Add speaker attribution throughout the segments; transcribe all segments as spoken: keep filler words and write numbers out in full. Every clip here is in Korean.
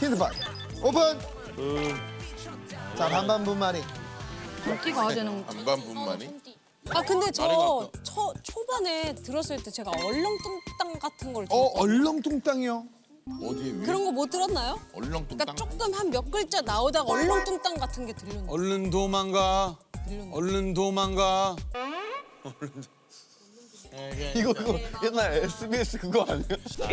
Speaker 1: 힌트판 오픈. 자 반반분만이.
Speaker 2: 어디 가야 되는 거?
Speaker 3: 반반분만이?
Speaker 4: 아 근데 저
Speaker 3: 아래가
Speaker 4: 초, 초반에 들었을 때 제가 얼렁뚱땅 같은 걸
Speaker 1: 어
Speaker 4: 들었거든요.
Speaker 1: 얼렁뚱땅이요.
Speaker 3: 어디에 위에?
Speaker 4: 그런 거 못 들었나요?
Speaker 3: 얼렁뚱땅?
Speaker 4: 그러니까 조금 한 몇 글자 나오다가 얼렁뚱땅 같은 게 들렸는데.
Speaker 5: 얼른 도망가. 얼른 도망가.
Speaker 1: 이거 이거 옛날 에스비에스 그거 아니에요?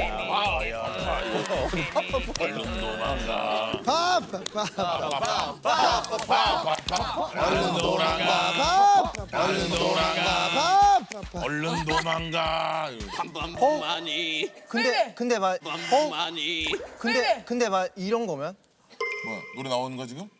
Speaker 3: 얼른 도망가.
Speaker 1: 파파파파파파파
Speaker 3: 얼른 도망가.
Speaker 1: 얼른 도망가 파파파.
Speaker 3: 얼른 도망가.
Speaker 6: 반반만이
Speaker 7: 근데 근데 막
Speaker 6: 반반만이
Speaker 7: 근데 근데 막 이런 거면
Speaker 3: 뭐야 노래 나오는 거 지금?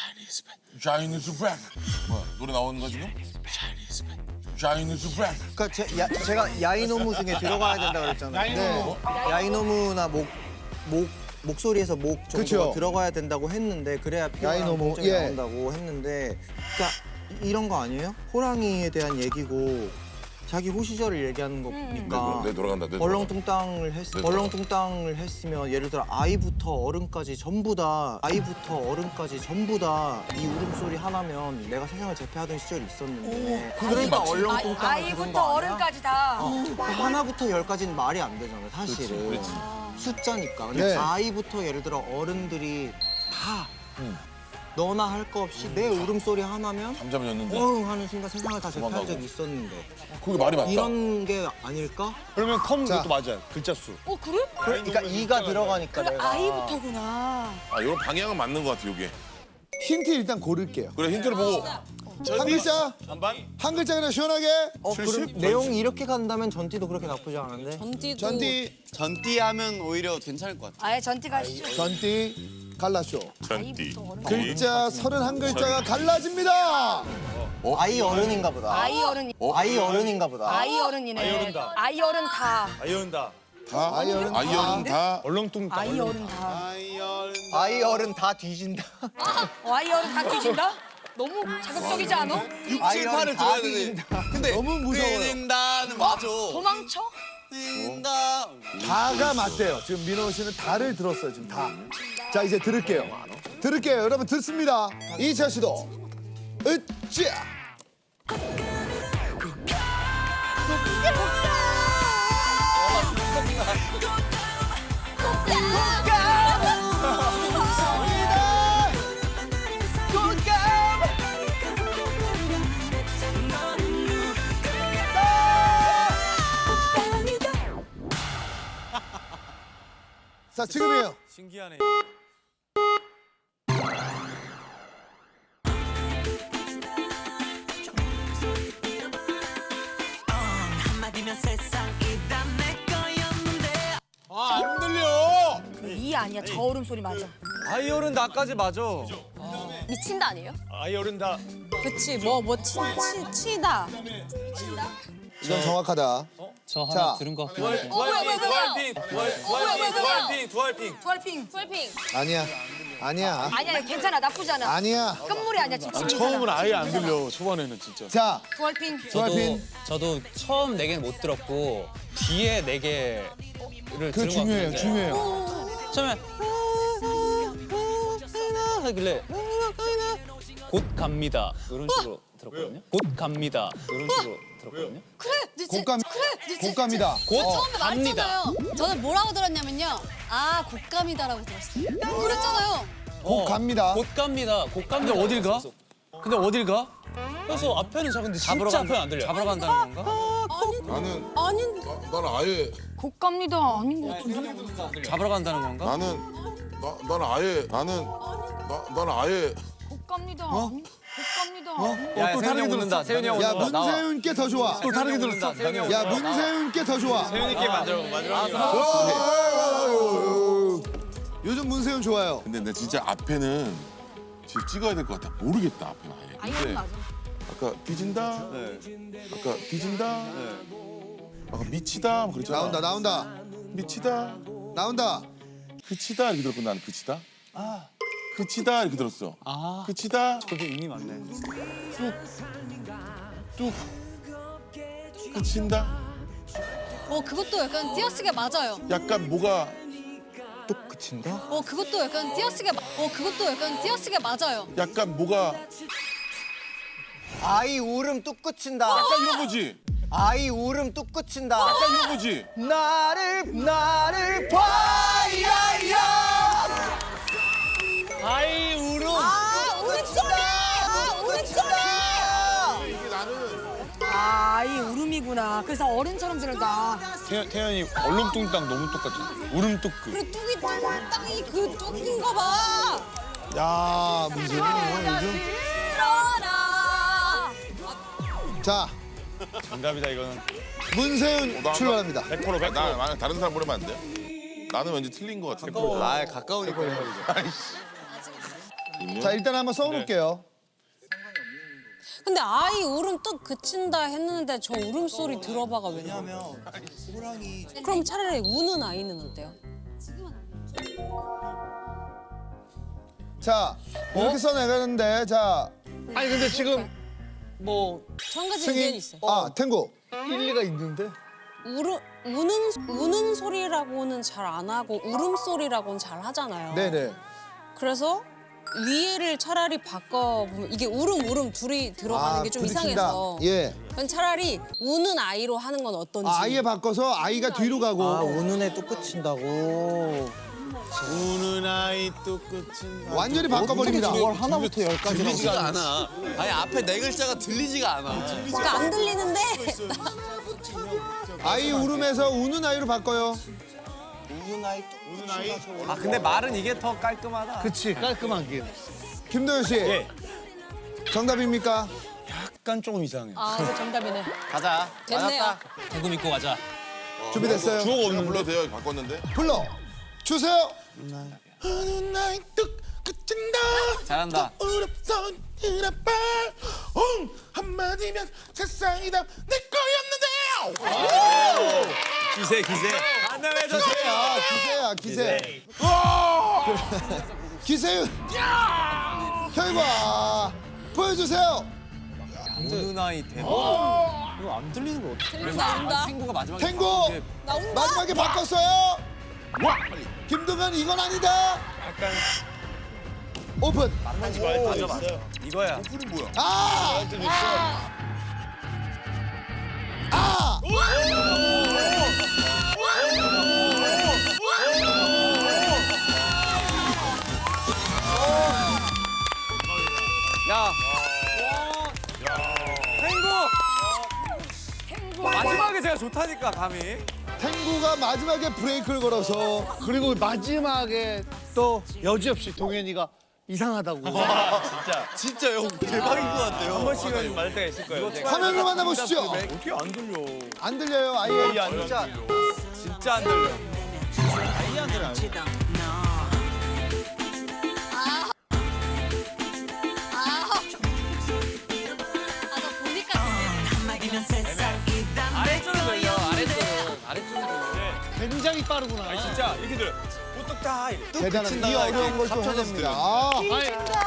Speaker 3: Chinese rap. 뭐야 노래 나오는 거 지금? Chinese rap. Chinese rap.
Speaker 7: 그러니까 제, 야, 제가 야이노무 중에 들어가야 된다 그랬잖아요.
Speaker 1: 네.
Speaker 7: 야이노무나 목 목 목소리에서 목 정도가
Speaker 1: 그쵸.
Speaker 7: 들어가야 된다고 했는데 그래야 피어나는
Speaker 1: 야이노무,
Speaker 7: 통증이
Speaker 1: 예.
Speaker 7: 나온다고 했는데 그러니까 이- 이런 거 아니에요? 호랑이에 대한 얘기고 자기 호시절을 얘기하는 거니까
Speaker 3: 내 돌아간다. 내 돌아간다.
Speaker 7: 얼렁뚱땅을 했
Speaker 3: 네,
Speaker 7: 얼렁뚱땅을 했으면 예를 들어 아이부터 어른까지 전부 다 아이부터 어른까지 전부 다 이 울음소리 하나면 내가 세상을 제패하던 시절이 있었는데 그러니까
Speaker 3: 맞지.
Speaker 7: 얼렁뚱땅 그런
Speaker 2: 아이부터
Speaker 7: 거 아니야?
Speaker 2: 어른까지 다.
Speaker 7: 그 하나부터 열까지는 말이 안 되잖아요, 사실은. 숫자니까. 근데
Speaker 1: 네.
Speaker 7: 아이부터 예를 들어 어른들이 다 너나 할 거 없이 내 울음소리 하나면
Speaker 3: 잠잠히 잤는데
Speaker 7: 어흥 하는 순간 세상을 다 제패한
Speaker 3: 도망가고.
Speaker 7: 적이 있었는데
Speaker 3: 그게 말이 맞다.
Speaker 7: 이런 게 아닐까?
Speaker 5: 그러면 컴
Speaker 1: 자.
Speaker 5: 그것도 맞아요. 글자 수.
Speaker 2: 어 그래?
Speaker 7: 그러니까 이가 들어가니까
Speaker 2: 그래
Speaker 7: 내가
Speaker 2: 아이부터구나.
Speaker 3: 아 이런 방향은 맞는 것 같아 이게.
Speaker 1: 힌트 일단 고를게요.
Speaker 3: 그래 힌트를 보고.
Speaker 1: 한 글자.
Speaker 5: 반반?
Speaker 1: 한 글자 그냥 시원하게.
Speaker 7: 어, 그럼 내용이 이렇게 간다면 전띠도 그렇게 나쁘지 않은데?
Speaker 4: 전디도
Speaker 1: 전띠
Speaker 6: 전띠하면 오히려 괜찮을 것 같아.
Speaker 2: 아예 전티 가시죠.
Speaker 1: 전띠 갈라쇼.
Speaker 3: 전띠.
Speaker 1: 글자 서른한 글자가 갈라집니다.
Speaker 7: 아이 어른인가 보다.
Speaker 2: 아이 어른.
Speaker 7: 아이 어른인가 보다.
Speaker 2: 아이 어른이네.
Speaker 5: 아이 어른 다.
Speaker 2: 아이 어른 다.
Speaker 5: 아이언다.
Speaker 3: 다
Speaker 1: 아이 어른
Speaker 3: 아이 어른 다.
Speaker 5: 얼렁뚱땅.
Speaker 2: 아이 어른 다.
Speaker 7: 아이 어른 다 뒤진다.
Speaker 2: 어, 아이 어른 다 뒤진다? 너무 자극적이지 않아?
Speaker 7: 아이 어른 다
Speaker 6: 들어야 되네.
Speaker 7: 뒤진다.
Speaker 6: 근데
Speaker 1: 너무 무서워요.
Speaker 6: 뛰는다는 맞아.
Speaker 2: 도망쳐?
Speaker 6: 뛴다.
Speaker 1: 다가 맞대요. 지금 민호 씨는 다를 들었어요. 지금 다. 자 이제 들을게요. 들을게요. 여러분 듣습니다. 이차 시도. 으쌰. 자 지금이에요.
Speaker 5: 신기하네. 아안 들려.
Speaker 2: 이 아니야 저 울음 소리 맞아.
Speaker 5: 아이언은 나까지 맞아.
Speaker 4: 미친다 아니에요?
Speaker 5: 아이언은 다.
Speaker 4: 그치 뭐뭐 치다.
Speaker 1: 이건 정확하다.
Speaker 8: 저 하나
Speaker 1: 자.
Speaker 8: 들은 것 같긴 한데.
Speaker 5: 두알핑, 두알핑, 두알, 두알핑, 두알핑, 두알핑.
Speaker 2: 투알핑.
Speaker 4: 풀핑.
Speaker 1: 아니야. 아니야.
Speaker 2: 아니야 괜찮아 나쁘지 않아.
Speaker 1: 아니야.
Speaker 2: 끝물이 아니야 지금 괜찮아.
Speaker 5: 처음은 아예 안 들려. 초반에는 진짜.
Speaker 1: 자
Speaker 2: 투알핑.
Speaker 8: 저도
Speaker 1: 두알핀.
Speaker 8: 저도 처음 네 개는 못 들었고 뒤에 네 개를
Speaker 1: 그
Speaker 8: 들은 것
Speaker 1: 중요해요.
Speaker 8: 같은데
Speaker 1: 중요해요.
Speaker 8: 처음에 하길래 곧 갑니다 이런 식으로 들었거든요. 곧 갑니다 이런 식으로 들었거든요.
Speaker 9: 그래, 네, 제-
Speaker 1: 곶감
Speaker 9: 그래, 네, 제-
Speaker 1: 곶감이다.
Speaker 8: 곧
Speaker 1: 어.
Speaker 9: 처음에
Speaker 8: 갑니다.
Speaker 9: 말했잖아요. 저는 뭐라고 들었냐면요. 아, 곶감이다라고 들었어요. 그랬잖아요.
Speaker 1: 곧 갑니다.
Speaker 8: 곧 갑니다. 곧 갑니다.
Speaker 5: 근데 어딜 가?
Speaker 8: 그래서-
Speaker 5: 근데 어딜 가?
Speaker 8: 그래서 앞에는 작은데
Speaker 5: 잡으러
Speaker 8: 진짜
Speaker 5: 간-
Speaker 8: 앞에는 안 들려.
Speaker 5: 잡으러 간다는 건가?
Speaker 3: 나는
Speaker 4: 아닌
Speaker 3: 나, 나는 아예
Speaker 2: 곧 갑니다 아닌 것 같은데.
Speaker 5: 잡으러 간다는 건가?
Speaker 3: 나는 나 나는 아예 나는 나 나는 아예
Speaker 2: 곧 갑니다. 곧 갑니다.
Speaker 5: 야, 또 다르게 들었다. 세윤이 형
Speaker 1: 야
Speaker 5: 오늘 나와.
Speaker 1: 문세윤께 더 좋아.
Speaker 5: 또 다르게 들었다. 세윤이 형.
Speaker 1: 야 문세윤께 더 좋아.
Speaker 5: 세윤이께 만들어 만들어.
Speaker 1: 어, 요즘 문세윤 좋아요.
Speaker 3: 근데 내 진짜 앞에는 지금 찍어야 될 것 같아. 모르겠다 앞에는 아예.
Speaker 9: 아, 이건 맞아.
Speaker 3: 아까 뒤진다. 아까 뒤진다. 아까 미치다. 뭐 그랬잖아.
Speaker 1: 나온다 나온다
Speaker 3: 미치다.
Speaker 1: 나온다.
Speaker 3: 그치다 이렇게 들었고 나는 그치다. 아. 그치다 이렇게 들었어.
Speaker 5: 아.
Speaker 3: 그치다.
Speaker 5: 그게 의미 많네.
Speaker 3: 뚝. 그친다.
Speaker 9: 어, 그것도 약간 띄어쓰기가 맞아요.
Speaker 3: 약간 뭐가
Speaker 7: 뚝 그친다?
Speaker 9: 어 그것도 약간 띄어쓰기 마- 어 그것도 약간 띄어쓰기 맞아요.
Speaker 3: 약간 뭐가
Speaker 7: 아이 울음 뚝 그친다.
Speaker 3: 약간 이런 거지.
Speaker 7: 아이 울음 뚝 그친다.
Speaker 3: 약간 이런 거지.
Speaker 7: 나를 나를 봐야야.
Speaker 5: 아이 울음.
Speaker 4: 아 울음소리. 아 울음소리.
Speaker 3: 이게 나는
Speaker 2: 아, 이 울음이구나. 그래서 어른처럼 들었다.
Speaker 8: 태연, 태연이 얼렁뚱땅 너무 똑같잖아. 울음뚝그.
Speaker 4: 그래 뚝이 뚝땅이 그 뚝인가 봐.
Speaker 1: 야, 문세윤은 요즘. 자,
Speaker 8: 정답이다 이거는.
Speaker 1: 문세윤
Speaker 3: 나-
Speaker 1: 출발합니다.
Speaker 8: 백 퍼센트 백 퍼센트.
Speaker 3: 나 만약 다른 사람 보내면 안 돼? 나는 왠지 틀린 거 같아.
Speaker 6: 아 가까우니까.
Speaker 1: 자, 일단 한번 써볼게요.
Speaker 4: 근데 아이 울음 뚝 그친다 했는데 저 울음소리 들어봐가 왜 나와?
Speaker 7: 왜냐면 호랑이
Speaker 4: 그럼 차라리 우는 아이는 어때요?
Speaker 1: 자, 이렇게 써내가는데, 자,
Speaker 5: 아니 근데 지금 뭐
Speaker 4: 저 한 가지 의견이
Speaker 1: 승인.
Speaker 4: 있어요.
Speaker 1: 아, 탱고.
Speaker 5: 일리가 있는데?
Speaker 4: 우르, 우는 우는 소리라고는 잘 안 하고 울음소리라고는 잘 하잖아요.
Speaker 1: 네네.
Speaker 4: 그래서 위에를 차라리 바꿔보면 이게 울음 울음 둘이 들어가는 게 좀
Speaker 1: 부딪힌다.
Speaker 4: 이상해서
Speaker 1: 예.
Speaker 4: 그럼 차라리 우는 아이로 하는 건 어떤지.
Speaker 1: 아, 아예 바꿔서 아이가 뒤로 가고.
Speaker 7: 아 우는 애 뚝 그친다고.
Speaker 6: 우는 아이 뚝 끝인다.
Speaker 1: 완전히 바꿔버립니다.
Speaker 7: 이걸 하나부터 열까지라고.
Speaker 6: 들리지가 않아. 아니 앞에 네 글자가 들리지가 않아.
Speaker 4: 그러니까 안 들리는데
Speaker 1: 아이 울음에서 우는 아이로 바꿔요.
Speaker 7: 우는 아이 뚝 그친다.
Speaker 5: 아 근데 말은 이게 더 깔끔하다.
Speaker 7: 그치 깔끔한 게.
Speaker 1: 김도현 씨.
Speaker 8: 예.
Speaker 1: 정답입니까?
Speaker 8: 약간 조금 이상해.
Speaker 4: 아 이거 정답이네.
Speaker 6: 가자.
Speaker 4: 됐네요.
Speaker 8: 대구 믿고 가자.
Speaker 1: 준비됐어요?
Speaker 3: 주어가 없는 불러도 돼요. 바꿨는데.
Speaker 1: 불러 주세요.
Speaker 3: 어느 날 뚝 끝인다.
Speaker 6: 잘한다.
Speaker 3: 울었던 이라빨 옹 한마디면 세상이다 내 거였는데.
Speaker 8: 기세 기세.
Speaker 5: 안녕해주세요.
Speaker 1: 아, 기세야, 기세. 기세윤. 결과 보여주세요.
Speaker 6: 우는 아이 대박.
Speaker 5: 이거 안 들리는 거 어떡해?
Speaker 4: 나온다.
Speaker 6: 친구가 마지막에
Speaker 1: 탱고
Speaker 4: 나온다.
Speaker 1: 마지막에 바꿨어요. 김동현 이건 아니다.
Speaker 8: 약간
Speaker 1: 오픈.
Speaker 8: 맞아 맞아. 이거야.
Speaker 3: 오픈이 뭐야?
Speaker 1: 아! 아!
Speaker 5: 야. 탱고. 마지막에 제가 좋다니까 감이.
Speaker 1: 탱구가 마지막에 브레이크를 걸어서
Speaker 10: 그리고 마지막에 또 여지없이 동현이가 이상하다고.
Speaker 6: 진짜 형 대박인 것 같아요.
Speaker 8: 한 번씩은 맞을 때가 있을 거예요.
Speaker 1: 화면으로 만나보시죠.
Speaker 8: 어떻게 안 들려?
Speaker 1: 안 들려요, 아예.
Speaker 5: 진짜 진짜 안 들려.
Speaker 9: 아나 보니까
Speaker 5: 아래쪽은 들려. 아래쪽은 아래쪽은 들려.
Speaker 10: 굉장히 빠르구나.
Speaker 8: 진짜 이렇게 들려. 보뚝 다 이래.
Speaker 1: 대단한 이 어려운 걸 또 해냅니다. 아,